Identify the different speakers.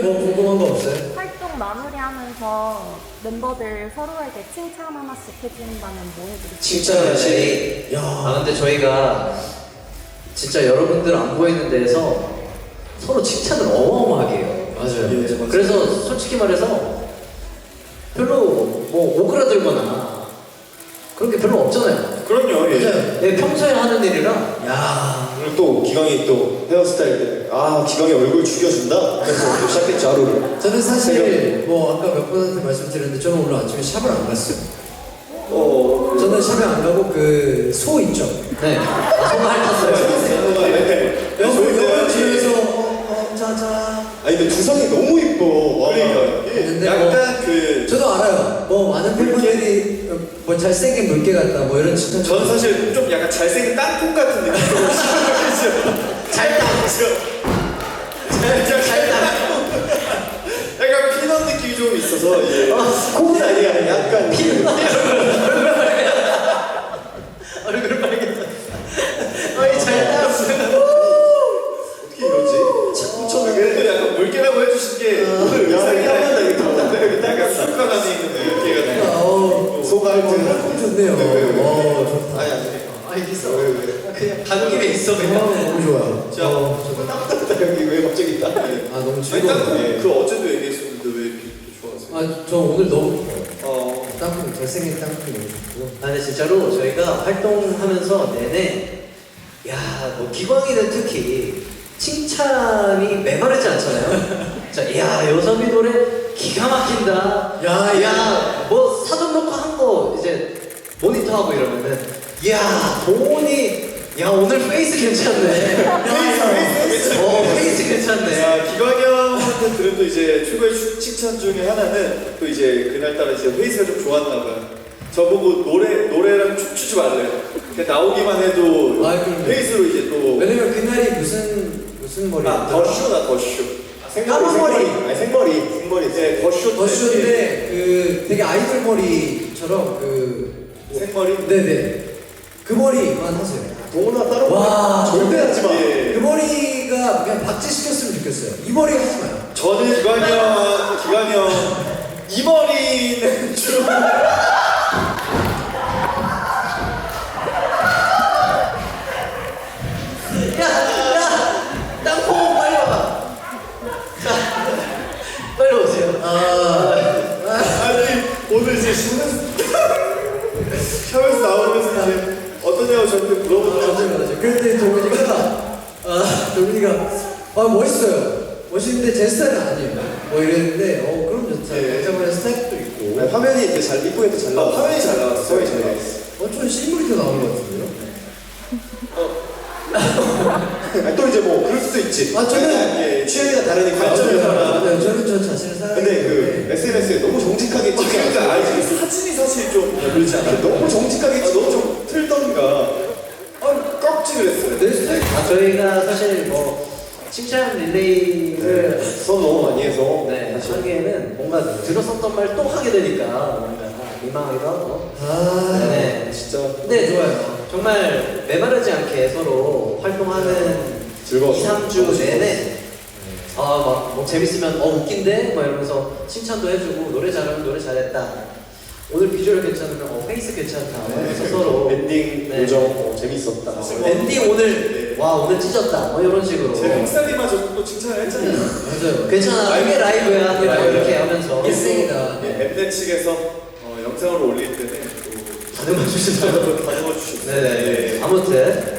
Speaker 1: 뭐 궁금한 거 없어요?
Speaker 2: 활동 마무리하면서 멤버들 서로에게 칭찬 하나씩 해준다면 뭐 해드릴까요?
Speaker 3: 칭찬을
Speaker 1: 야.
Speaker 3: 아 근데 저희가 진짜 여러분들 안 보이는 데에서 서로 칭찬을 어마어마하게 해요.
Speaker 1: 맞아요.
Speaker 4: 예, 맞아요.
Speaker 3: 그래서 솔직히 말해서 별로 뭐 오그라들거나 그런 게 별로 없잖아요.
Speaker 4: 그럼요. 예.
Speaker 1: 맞아요.
Speaker 3: 네, 평소에 하는 일이라
Speaker 1: 야.
Speaker 4: 오늘 또 기광이 또 헤어스타일 때문에 기광이 얼굴 죽여준다. 그래서 또 시작했죠 하루를.
Speaker 1: 저는 사실 뭐 아까 몇 분한테 말씀드렸는데 저는 오늘 아침에 샵을 안 갔어요. 저는 샵에 안 가고 그 소 있죠.
Speaker 3: 네 정말 탔어요.
Speaker 1: 영어 집에서 짜자.
Speaker 4: 아니 근데 두상이 너무 이뻐. 와.
Speaker 1: 그러니까요.
Speaker 4: 예.
Speaker 1: 근데
Speaker 4: 약간 그
Speaker 1: 저도 알아요. 뭐 많은 팬분들이 뭐 잘생긴 물개 같다 뭐 이런 칭찬.
Speaker 4: 저는 사실 좀 약간 잘생긴 땅콩 같은 느낌으로 잘 땅이죠. 잘 땅콩. 약간 피넛 느낌이 좀 있어서 예. 콩은 아니야. 약간 피넛.
Speaker 3: 얼굴 빨개졌어. 어이 잘 따랐어요.
Speaker 4: 어떻게 이러지? 저는 약간 물개라고 해주신 게 오늘 의상이 하나다 이거 약간 술관 안에 있는 물개가 소갈증
Speaker 1: 좋네요.
Speaker 4: 좋다. 아니
Speaker 3: 알겠어.
Speaker 4: 왜?
Speaker 3: 그냥 가는 길에 있어 그냥.
Speaker 1: 너무 좋아요.
Speaker 4: 자, 따뜻하다 여기 왜 갑자기 있다?
Speaker 1: 아 너무
Speaker 4: 아니
Speaker 1: 즐거워.
Speaker 4: 땅콩 그 어제도 얘기했었는데 왜 이렇게 좋아하세요?
Speaker 1: 아저 오늘 너무 좋아요. 땅콩 잘생긴 땅콩이 너무 좋고.
Speaker 3: 아 근데 진짜로 저희가 활동하면서 내내 야뭐 기광이는 특히 칭찬이 메마르지 않잖아요. 자, 야 요섭이 노래 기가 막힌다. 야뭐 사전 녹화한 거 이제 모니터하고 이러면은 야 동훈이 야 오늘 페이스 괜찮네. 페이스 괜찮네.
Speaker 4: 자, 기광이 형한테 들은 또 이제 최고의 칭찬 중에 하나는 또 이제 그날따라 이제 페이스가 좀 좋았나 봐요. 저보고 노래랑 춤추지 말래요. 그냥 나오기만 해도
Speaker 1: 그럼요.
Speaker 4: 페이스로 이제 또
Speaker 1: 왜냐면 그날이 무슨 머리였죠?
Speaker 4: 더쇼.
Speaker 1: 까만 머리.
Speaker 4: 아니 생머리. 네, 더쇼.
Speaker 1: 더쇼인데 그 되게 아이돌 머리처럼 그
Speaker 4: 생머리.
Speaker 1: 네네 그 머리만 하세요.
Speaker 4: 동훈아 따로
Speaker 1: 와
Speaker 4: 절대 하지 마.
Speaker 1: 그 머리가 그냥 박제시켰으면 좋겠어요. 이 머리 하지 마요.
Speaker 4: 저는 기광이 형 이 머리는 좀
Speaker 3: 야 땅콩 빨리 와봐. 자 빨리 오세요.
Speaker 4: 아니 오늘 이제 샵에서 나오면서 이제 어떠냐고 저한테 물어보더라고요.
Speaker 1: 맞아요. 그런데 동민이가 멋있어요. 멋있는데 제 스타일은 아니에요. 뭐 이랬는데 그럼 좋다.
Speaker 4: 예.
Speaker 1: 여자분의 스타일도 있고.
Speaker 4: 화면이 이제 잘 이쁘게 잘 나왔어. 화면이 잘 나왔어. 화면이 잘 나왔어.
Speaker 1: 좀 실물이 더 나온 것 같은데요?
Speaker 4: 또 이제 뭐 그럴 수도 있지.
Speaker 1: 저는
Speaker 4: 취향이가 다르니까 관점이 달라.
Speaker 1: 맞아요. 저는 저 자신을 사랑해요.
Speaker 4: 근데 그 SNS에 너무 정직하게 찍지 않아요. 그러니까 알지. 사진이 사실 좀 그렇지 않아요. 너무 정직하게 찍고 좀 틀던가. 꺽지를 했어요.
Speaker 1: 내 스타일.
Speaker 3: 저희가 사실 뭐 칭찬 릴레이를
Speaker 4: 수업 너무 많이 해서.
Speaker 3: 네, 하기에는 뭔가 들었었던 말 또 하게 되니까 뭔가 민망하기도 하고. 네,
Speaker 4: 진짜.
Speaker 3: 근데
Speaker 1: 좋아요.
Speaker 3: 정말 메마르지 않게 서로 활동하는
Speaker 4: 즐거웠어요.
Speaker 3: 2, 3주 내내 뭐 재밌으면 웃긴데? 막 이러면서 칭찬도 해주고 노래 잘하면 노래 잘했다. 오늘 비주얼 괜찮으면 페이스 괜찮다. 그래서 서로
Speaker 4: 엔딩
Speaker 3: 네.
Speaker 4: 요정 재밌었다.
Speaker 3: 엔딩 오늘 와 오늘 찢었다. 뭐 이런 식으로.
Speaker 4: 제 햇살이마저 또 칭찬을 했잖아요.
Speaker 1: 맞아요.
Speaker 3: 괜찮아. 이게 라이브야. 이렇게 하면서.
Speaker 1: 일생이다.
Speaker 4: 엠넷 측에서 영상을 올릴 때는 또
Speaker 3: 다듬어 주시더라고요.
Speaker 4: 다듬어 주셨어요.
Speaker 3: 네네. 아무튼